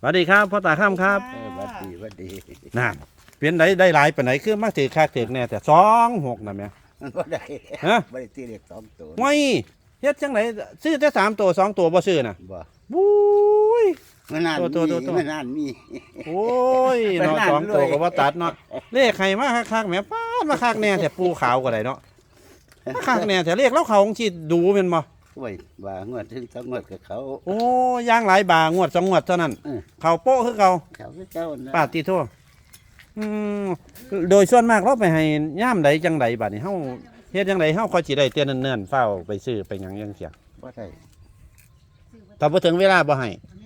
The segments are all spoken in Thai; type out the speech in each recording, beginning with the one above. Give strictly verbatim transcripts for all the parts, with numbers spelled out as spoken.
วัสดีครับพ่อตาข้ามครับเออวัดดีวัดดีน่ะเปลี่ยนได้ได้หลายปานไหนคือมักถือคาถือแน่แต่สองหกนะแม่มันบ่ได้ฮะบ่ได้ตีเลขสองตัวไม่เฮ็ดจังไหนซื้อแต่สามตัวสองตัวบ่ซื้อน่ะบ่บุ้ยมันนานตัวตัวตัวมีมันนานมีโอ้ยไปเนาะนั่นสองตัวเลยก็บ่ตัดเนาะเลขใครมาคักๆแหม่ป้าดมาคักแน่แต่ปูขาวก็ได้เนาะมาคักแน่แต่เลขแล้วเขาของสิดูแม่นบ่โอ้ยว่างวดถึงสองงวดกับเขาโอ้ย่างหลายบางวดสองงวดเท่านั้นเออเขาโป๊ะคือเก่าเขาคือเจ้านะปาดติโทอืมโดยส่วนมากเราไปให้ย่ามใดจังใดบัดนี้เฮาเฮ็ดจังไดเฮาค่อยสิได้เตือนเนิ่นๆเฝ้าไปซื้อไปหยังจังเสียบ่ได้ถ้าบ่ถึงเวลาบ่ให้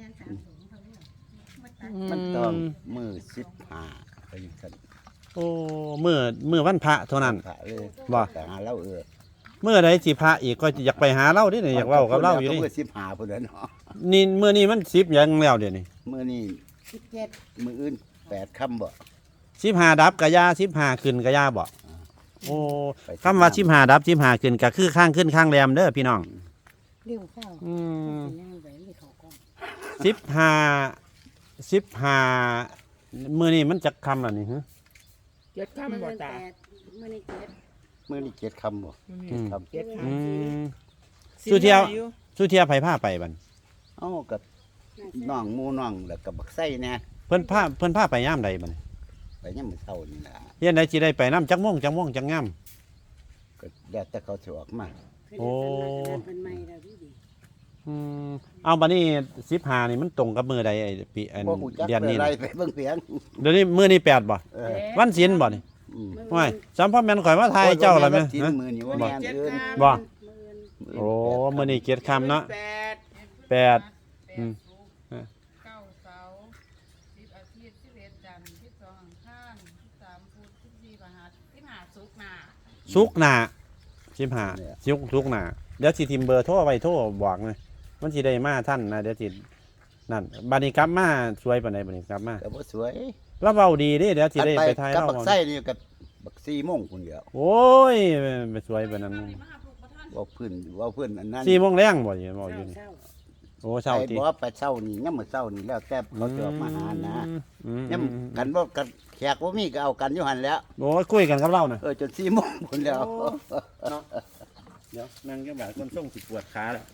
มันต้องมือสิบห้าไปสั่นโอ้มื้อมื้อวันพระเท่านั้นพระเลยบ่แต่หาเราเออมื้อใดสิพระอีกก็อยากไปหาเราดิเนี่ยอยากเว้ากับเราอยู่นี่มือสิบห้าพุ่นแล้วเนาะนี่มื้อนี้มันสิบหยังแล้วเดี๋ยวนี้มื้อนี้สิบเจ็ดมื้ออื่นแปดค่ำบ่สิบห้าดับกะยาสิบห้าขึ้นกะยาบ่โอ้คำว่าสิบห้าดับสิบห้าขึ้นก็คือข้างขึ้นข้างแรมเด้อพี่น้องเลี้ยวเข้าอืมย่างไปไม่เขากล้องสิบห้าสิบห้ามื้อนี้มันจักคำแล้วนี่ฮะเจ็ดคำบ่ตาเมื่อนี้เจ็ดมื้อนี้เจ็ดค่ำบ่อืมค่ำเจ็ดคอืมำสุเที่ยว สุเทียไผพาไปบัดเอ้ากับน้องหมู่น้องแล้วก็บักไส้แน่เพิ่นพาเพิ่นพาไปยามใดบัดไปยามมื้อเช้านี่ล่ะเฮ็ดได้สิได้ไปนํจักโมงจักโมงจักงามก็แล้วแต่เขาสิออกมาโอ้เป็นไม้แล้วดีดีอืมเอาบัดนี้สิบห้านี่มันตรงกับมื้อใดไอ้ปีอันบ่ฮู้จักเดือนนี้อะไรน่ะไปเบิ่งเพียงเดี๋ยวนี้มื้อนี้แปดบ่เออวันศีลบ่นี่อืมว้ายสัมพ่อแม่นข่อยมาทายเจ้าล่ะแม่โอ้ยฮะมือนี่ว่าบ่แม่นอื่นบ่มื่นโอ้มื้อนี้เกียรติคำเนาะแปดแปดอืมเก้าเสาร์สิบอาทิตย์สิบเอ็ดจันทร์สิบสองอังคารสิบสามพุธสิบสี่พฤหัสสิบห้าศุกร์หน้าสุกร์หน้าสิบห้าสุกร์สุกร์หน้าเดี๋ยวสิทิมเบอร์โทรไว้โทรบอกเลยมันสิได้มาท่านนะเดี๋ยวสินั่นบัดนี้กลับมาสวยปานใดบัดนี้กลับมาก็บ่สวยแล้วเว้าดีเด้เดี๋ยวสิได้อันไปถ่ายกับเราบักไส้นี่กับบักสี่โมงพุ่นเดียวโอ้ยไปสวยปานนั้นมาหาปลูกประท่านเว่าพื้นเว่าพื้นอันนั้นสี่โมงแรงบ่อยู่บ่อยู่นี่เศร้าโอ้เช้าไอ้ติบ่ว่าไปเช้านี่ยามมื้อเช้านี่แล้วแต่เขาจะออกมาหานะอืมยามกันบ่กันแขกบ่มีก็เอากันอยู่หั่นแหล้วโอ้ยคุยกันกับเราน่ะเออจนสี่โมงพุ่นแล้วเดี๋ยวนั่งจังบาดคนส่งสิปวดขาแล้ว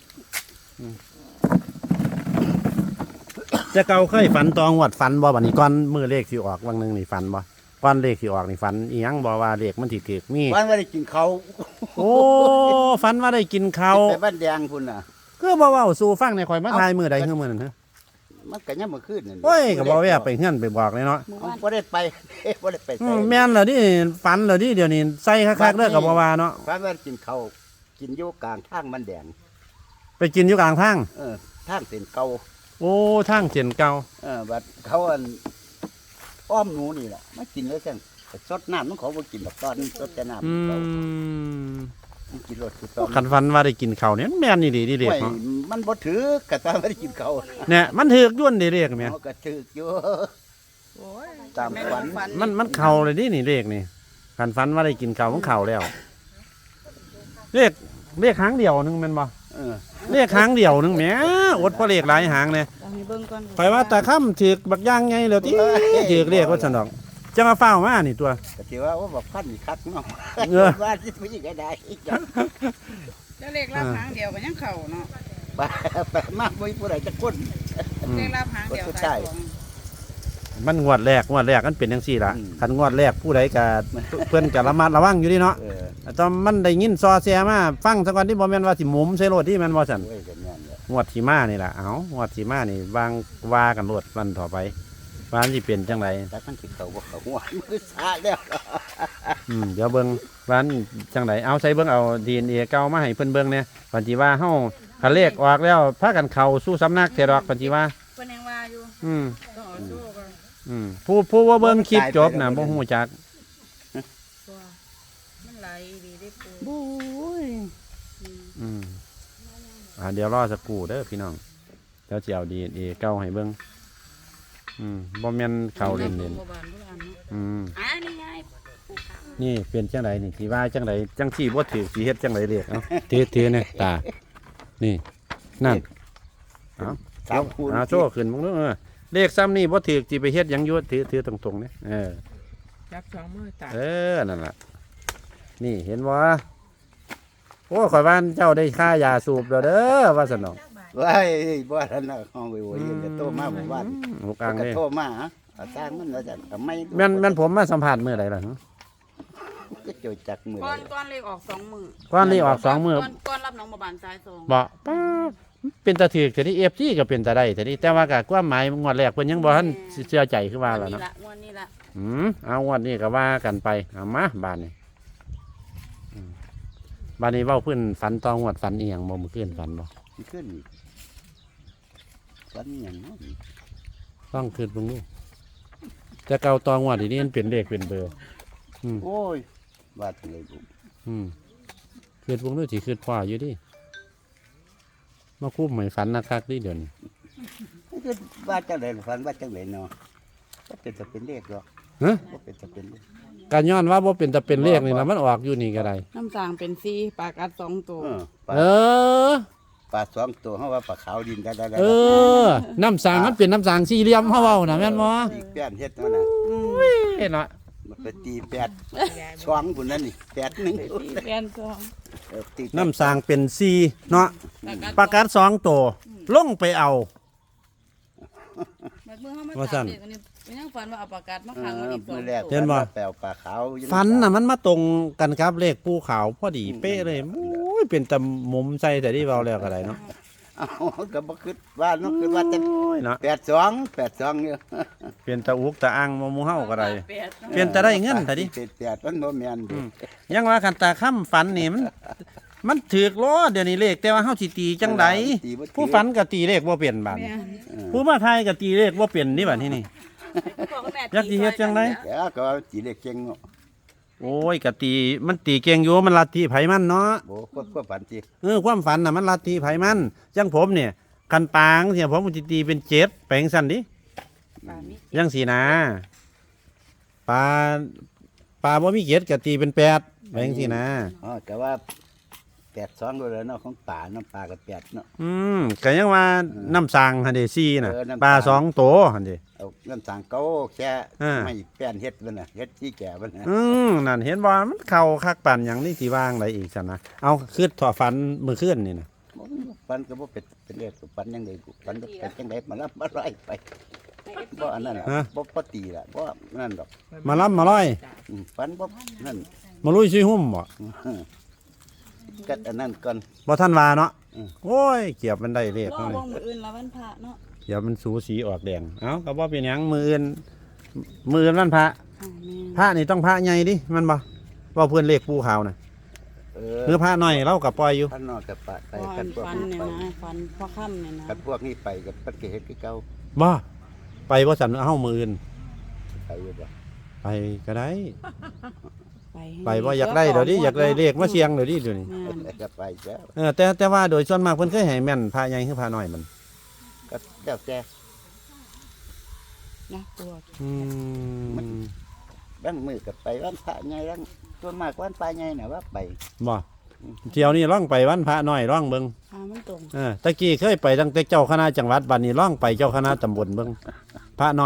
จะเก่าเคยฝันตองวดฝันบ่บัดนี้ก่อนมือเลขสิออกวังหนึงนี่ฝันบ่ก่อนเลขสิออกนี่ฝันอีหยังบ่ว่าเลขมันสิถูกมีวันว่าได้กินข้าวโอ้ฝันว่าได้กินข้าวไปบ้านแดงพุ่นน่ะคือบ่เว้าสู่ฟังในข่อยมาทายมื้อใดคือมื้อนั้นฮะมันก็ยามมื้อคืนนั่นโอ้ยก็บ่แวะไปเฮือนไปบอกเลยเนาะเมื่อเอาวานบ่ได้ไป บ่ได้ไปอืไสมแม่นเหรอดิฝันเหรอดิเดี๋ยวนี้ใส่คักๆเด้อก็บ่ว่าเนาะวันว่ากินข้าวกินอยู่กลางทางมันแดงไปกินอยู่กลางทางเออทางเส้นเก่าโอ้ทางเส้นเก่าเออบัดเขาอันอ้อมหนูนี่แหละมากินแล้วจังแต่สดน้ำมันเขาบ่กินดอกตอนสดแต่น้ำอืเขามมันกินรสคือตอนคันฝันว่าได้กินข้าวเนี่ยแม่นนี่ดีดีเด็กไม่เนาะมันบ่ถือกะตาไม่ได้กินเขาวเนี่ยมันถือกย้วนดีเด็กแม่เขาก็ถือกอยู่โอ้ยตามฝันมันมันเข้าเลยดินี่เด็กนี่คันฝันว่าได้กินข้าวมันเข้าแล้วเลขเลขหางเดียวหนึงแม่นบ่เออเลขหางเดียวหนึงแหมอดเพราะเลขหลายหางเนี่ยเอาให้เบิ่งก่อนข่อยว่าตาค่ำถือกบักย่างไงแล้วติถือกเลขว่าซั่นดอกจะมาเฝ้ามานี่ตัวก็ถือว่าว่าแบบพันนี่คักเนาะเออว่าสิผู้หญิงก็ได้อีกจังแล้วเลขรับหางเดียวก็ยังเข่าเนาะไปไปมากบ่มีผู้ใดจะคนอืมเลขรับหางเดียวก็สาใช่ยสวงมันงวดแรกงวดแรกมันเป็นจังซี่ล่ะอืมคันงวดแรกผู้ใดก็เพิ่นก็ระมัดระวังอยู่ดิเนาะเออตอนมันได้ยินซอแซมาฟังซะก่อนที่บ่แม่นว่าสิหมุมใส่รถที่แม่นบ่ซั่นโอ้ยก็แม่นแหละงวดที่มานี่ล่ะเอ้างวดที่มานี่วางว่ากันรถวันต่อไปว่ามันสิเป็นจังไดแต่มันสิเขาบ่เขาหัวมือสาแล้วอืมเดี๋ยวเบิ่งว่ามันจังไดเอาใส่เบิ่งเอา ดี เอ็น เอ เก่ามาให้เพิ่นเบิ่งเนี่ยปันสิว่าเฮาคันเลขออกแล้วพากันเข้าสู่สำนักเทดอกปันสิว่าเพิ่นยังว่าอยู่อืมต้องเอาสู้กันอืมผู้ผู้ว่าเบิ่งคลิปจบน่ะบ่ฮู้จักตัวมันไหลดีได้ปูบู้ยอืมอ่าเดี๋ยวรอสักครู่เด้อพี่น้องเดี๋ยวสิเอา ดี เอ็น เอ เก่าให้เบิ่งอืมบ่แม่นเข้าเล่นบ่บานบ่บานเนาะๆอืมอ่านี่ไงปูขาวนี่เป็นจังไดนี่สิว่าจังไดจังสิบ่ถือสิเฮ็ดจังไดเรียกเอ้าถือถือเนี่ยตานี่นั่นเอ้าสามคูณอ่าโชว์ขึ้นมึงเด้อเออเลขซ้ำนี่บ่ถือสิไปเฮ็ดหยังอยู่ถือถือตรงๆนี่เออจับสองมือตาเออนั่นล่ะนี่เห็นบ่โอ้ข่อยว่าเจ้าได้ค่ายาสูบแล้วเด้อว่าซั่นเนาะว้ายบ่ทันน่ะห้องไปโวยยังจะโตมาหมู่บ้านหกอ่างก็เด้โทรมาฮะเอาสร้างมันแล้วจะเอาไม่แม่นแม่นผมมาสัมภาษณ์มื้อใดล่ะก็เจอจักมือก้อนก้อนเลขออกสองมือก่อนนี้ออกสองมื้อก้อนก้อนรับน้องมาบานซ้ายสองบ่ป๊าบเป็นตาถือแต่ที่ เอฟ ซี ก็เป็นตาได้แต่ที่แต่ว่าก็ความหมายงวดแรกเพิ่นยังบ่ทันเชื่อใจคือว่าล่ะนี่เนาะละงวดนี้ละอืมเอางวดนี้ก็ว่ากันไปเอามาบานนี้อืมบานนี้เว้าเพิ่นฝันตองวดฝันอีหยังบ่มื้อคืนฝันบ่มันขึ้นอีกวันหยังเนาะต้องคืนเบิ่งดูแต่เก่าตองวดนี่มันเป็นเลขเป็นเบอร์ อืมโอ้ยว่าจังได๋บุอืมคืนเบิ่งดูสิคืนพ่ออยู่ดิมาคุ้มให้ฝันคักๆดิเดี๋ยวนี้มันคือว่าจังได๋ฝันว่าจังได๋เนาะก็เป็นจะเป็นเลขหรอกฮะบ่เป็นจะเป็นเลขการย้อนว่าบ่เป็นตะเป็นเลขนี่ล่ะมันออกอยู่นี่ก็ได้น้ำสางเป็นซีปลากัดสองตัวเออปลาเออปลาสองตัวเฮาว่าปลาขาวดินได้ได้เออ น้ำสางมันเป็นน้ำสางสี่เหลี่ยมเฮาเว้าน่ะแม่นบ่อีกแป้นเฮ็ดเนาะน่ะเอ้เนาะมันไปตีแปดช่องพุ่นนั่นนี่แปดหนึงแกนสองเออตีแปดน้ำสางเป็นสี่เนาะปลากัดปลากัดสองตัวลงไปเอาบัดมือเขามาว่าซั่จับนเด็กอันนี้มันยังฝันว่าเอาปลากัดมาเอขังมันออีกสอมื้งอแรกตัวเห็นบ่แปลวปลาขาวอยู่ฟันน่ะมันมาตรงกันครับเลขภูเขาพอดีเป๊ะเลยโอ้ยเป็นตะมุมใส่แต่ที่เว้าแล้วก็ได้เนาะเอ้าก็บ่คิดว่าเนาะคิดว่าแต่โอ้ยเนาะแปดสองแปดสองอยู่เป็นตะอุกตะอังมาหมู่เฮาก็ได้แปดเนาะเปลี่ยนแต่ได้เงินแต่ดิแปดมันบ่แม่นดิยังว่าคันตาค่ำฝันนี่มันมันถูกล้อเดี๋ยวนี้เลขแต่ว่าเฮาสิตีจังไดตีบ่ถือผู้ฝันก็ตีเลขบ่เปลี่ยนบาดแม่เออผู้มาทายก็ตีเลขบ่เปลี่ยนนี่บัดนี้นี่พ่อกับแม่อยากสิเฮ็ดจังไดเดี๋ยวก็ว่าตีเลขเก่งเนาะโอ้ยก็ตีมันตีเก่งอยู่มันลัทธิไผมันเนาะบ่ควบควบฝันติเออความฝันน่ะมันลัทธิไผมันจังผมเนี่ยคันปางเสียผมสิตีเป็นเจ็ดแปลงซั่นดิปลามียังสีนะปลาปลาบ่มีเจ็ดก็ตีเป็นแปดแปลงสินะอ๋อแต่ว่าแปดสองด้วยแล้วเนาะของป่าน้ำปลาก็แปดเนาะอืมก็ยังว่าน้ำสางหั่นเด้สี่น่ะเออน้ำปลาสางสองตัวหั่นเด้เอาน้ำสางเก่าแค่อ่าไม่แป้นเฮ็ดมันน่ะเฮ็ดที่แก่มันน่ะอืมนั่นเห็นบ่มันเข้าคักปั่นหยังนี่สิว่างไดอีกซั่นนะเอาคือถอฝันมื้อคืนนี่น่ะบ่ฝันก็บ่เป็นเป็นเลขฝันยังไงฝันเป็นจังไดมารับมาไล่ไปบ่อันนั้นน่ะบ่บ่ตีล่ะบ่นั่นดอกมาล้ำมาร้อยอืมฝันบ่นั่นมาลุยซุยหุ่มบ่ก็อันนั้นก่อนบ่ทันว่าเนาะอืมโอ้ยเกียบมันได้เลขรอเนาะวงมืออื่นละวันพระเนาะเกียบมันสูสีออกแดงเอ้าก็บ่เป็นหยังมื้ออื่นมื้ออื่นวันพระอ่าแม่พระนี่ต้องพระใหญ่ดิมันบ่ว่าเพื่อนเลขภูเขาน่ะเอหรือพระน้อยเราก็ปล่อยอยู่ท่านนอกกับปะไปพ่อกันพวกฟันนี้เนี่ยไปนะฟันพ่อค่ำเนี่ยนะกันพวกนี้ไปกับปัดเกเฮ็ดคือเก่าบ่ไปบ่สั่นเฮามื้ออื่นไปอยู่บ่ไปก็ได้ไปไปบ่อยากได้เดี๋ยวนี้อยากได้เลขมาเสียงเดี๋ยวนี้เดี๋ยวนี้แม่นก็ไปแล้วเออแต่แต่ว่าโดยส่วนมากเพิ่นเคยให้แม่นพระใหญ่คือพระน้อยมันก็แล้วแต่นะปวดอืมบางมือก็ไปวันพระใหญ่บางส่วนมากวันพระใหญ่น่ะว่าไปบ่เที่ยวนี้ล่องไปวันพระน้อยล่องเบิ่งพามันตรงเออตะกี้เคยไปตั้งแต่เจ้าคณะจังหวัดบัดนี้ล่องไปเจ้าคณะตำบลเบิ่งพระน้อย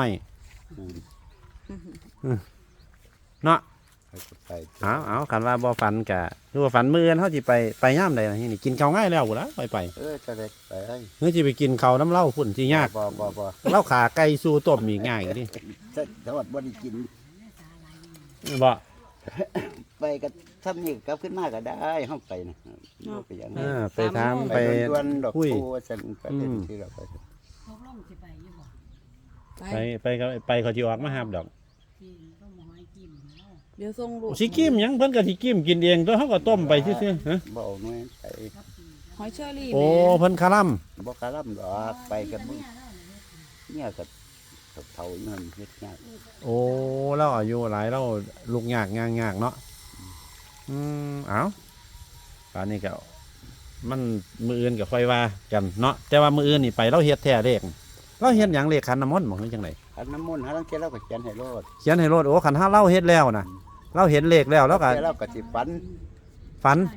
อืมเนาะไปก็ไปเอาเอาคันว่าบ่ฝันกะคือว่าฝันมื้ออื่นเฮาสิไปไปยามใดล่ะนี่กินข้าวง่ายแล้วพุ่นล่ะไปไปเออจะได้ไปเอ้ยเฮ้ยสิไปกินข้าวน้ำเหล้าพุ่นสิยากบ่บ่บ่เหล้าขาไก่สู้ต้มอีกง่ายดิถ้าถ้าว่าบ่ได้กินบ่ไปก็ทำนี่กลับขึ้นมาก็ได้เฮาไปนะบ่ไปอย่างเอนั้นอไปถามไปไปดวนๆดอกคุยปูว่าซั่นไปเล่นอืมที่เราไปพกลงสิไปอยู่บ่ไปไปไปก็ไปเขาสิออกมาหาบดอกที่ต้องหมอให้กินเนาะเดี๋ยวส่งลูกสิกิมหยังเพิ่นก็สิกิมกินเองตัวเฮาก็ต้มไปซื่อๆฮะบ่เอาหน่วยไปหอยเชอรี่โอ้แม่เพิ่นคาร่ํบ่กะลำดอกไปกับมึงเนี่ยก็เฒ่าๆอยู่นั่นเฮ็ดยากโอ้เราอายุหลายเราลูกยากงากๆเนาะอืมเอ้าตอนนี้ก็มันมื้ออื่นก็ค่อยว่ากันเนาะแต่ว่ามื้ออื่นนี่ไปเราเฮ็ดแท้เลขเราเฮ็ดหยังเลขขันน้ำมนต์บ่คือจังไดอันน้ำมนต์หาลังเที่ยเราก็เขียนให้โลดเขียนให้โลดโอ้คันถ้าเราเฮ็ดแล้วน่ะ เราเห็นเลขแล้วแล้วก็เที่ยเราก็สิฝันฝัน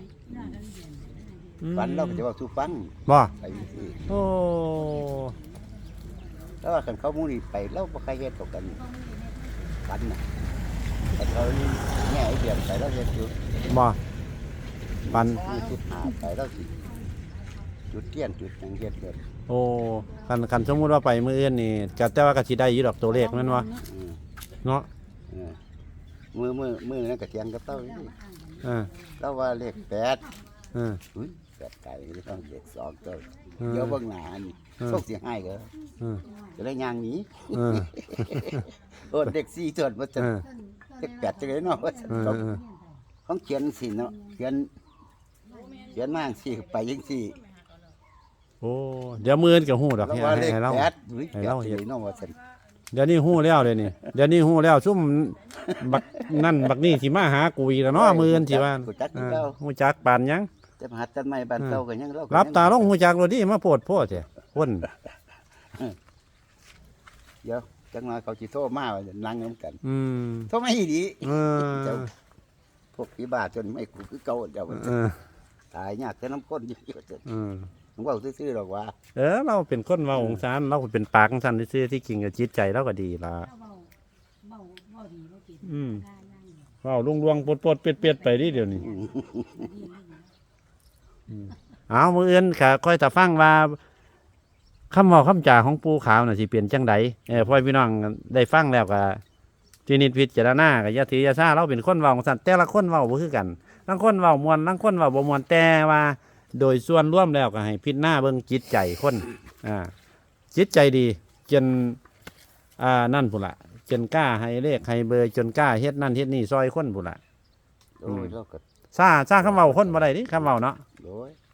ฝันเราก็จะเว้าสู่ฟังบ่ไปจังซี่โอ้เราแล้วว่าคันเขาหมู่นี่ไปเราบ่ใครเฮ็ดเท่ากันปันน่ะแต่เขาแง่ไอ้เดือนไปแล้วเฮ็ดอยู่บ่ปันมีจุดหาไปแล้วสิจุดเทียนจุดหยังเฮ็ดเกิดโอ้คันคันสมมุติว่าไปมื้ออื่นนี่ก็แต่ว่าก็สิได้อยู่ดอกตัวเลขแม่นบ่อืมเนาะเออมือมือมือนั่นก็เถียงกับเต้าอยู่นี่เออเราว่าเลขแปดเอออุ้ยแปดไก่ไม่ต้องเลขสองเต้าเออเดี๋ยวเบิ่งหน้านี่เออโชคสิให้ก็เออจะได้ย่างหนี้เออโอ้เด็กสี่ส่วนว่าจะเออเลขแปดจังได๋เนาะว่าจะเออต้องเออของเขียนสิเนาะเขียนเขียนมาจังซี่ไปจังซี่โอ้เดี๋ยวมื้ออื่นก็ฮู้ดอกเราให้ว่าเลขให้เราแปดอุ้ยให้แปดเราจังเฮ็ดได๋เนาะว่าซั่นเดี๋ยวนี้ฮู้แล้วเดี๋ยวนี้เดี๋ยวนี้ฮู้แล้วซุ่มบักนั่นบักนี่สิมาหากูอีกแล้วเนาะมื้ออื่นสิว่ารู้จักเอคืออเก่าฮู้จักปานหยังแต่มหัดต้นไม้บ้านเก่าก็ยังเราก็รับยังตาลงฮู้จักโลดดิมาโพดโพดแท้คนเดี๋ยวจังมาเขาสิโทรมาว่าจะนั่งนํกันอืมโทรมาอีดีเออเจ้าพวกผีบ้าจนไม่กูคือเก่าเจ้าเออตายยากแต่น้ำก้นอยู่เจ้าเออผมว่าซื่อๆหรอกว่าเออเราเป็นคนเว้าองศานเราก็เป็นปากของซั่นซื่อๆที่จริงก็จิตใจเราก็ดีล่ะเจ้าเบาเบาเบาดีเบาเก่งอืมได้นั่งอยู่เว้าลวงๆปดๆเป็ดๆไปดิเดี๋ยวนี้ดีดีเอามื้ออื่นก็ค่อยตะฟังว่าคำเว้าคำจาของปู่ขาวน่ะสิเปลี่ยนจังใดเออพ่อพี่น้องได้ฟังแล้วก็ที่นิดพิจารณาก็อย่าถืออย่าซ่าเราเป็นคนเว้าของซั่นแต่ละคนเว้าบ่คือกันบางคนเว้าม่วนบางคนเว้าบ่ม่วนแต่ว่าโดยส่วนรวมแล้วก็ให้พิจารณาเบิ่งจิตใจคนอ่าจิตใจดีจนอ่านั่นพุ่นล่ะจนกล้าให้เลขให้เบอร์จนกล้าเฮ็ดนั่นเฮ็ดนี่ซอยคนพุ่นล่ะโอ้ยเราก็ซ่าซ่าคำเว้าคนบ่ได้ดิคำเว้าเนาะโอ้ย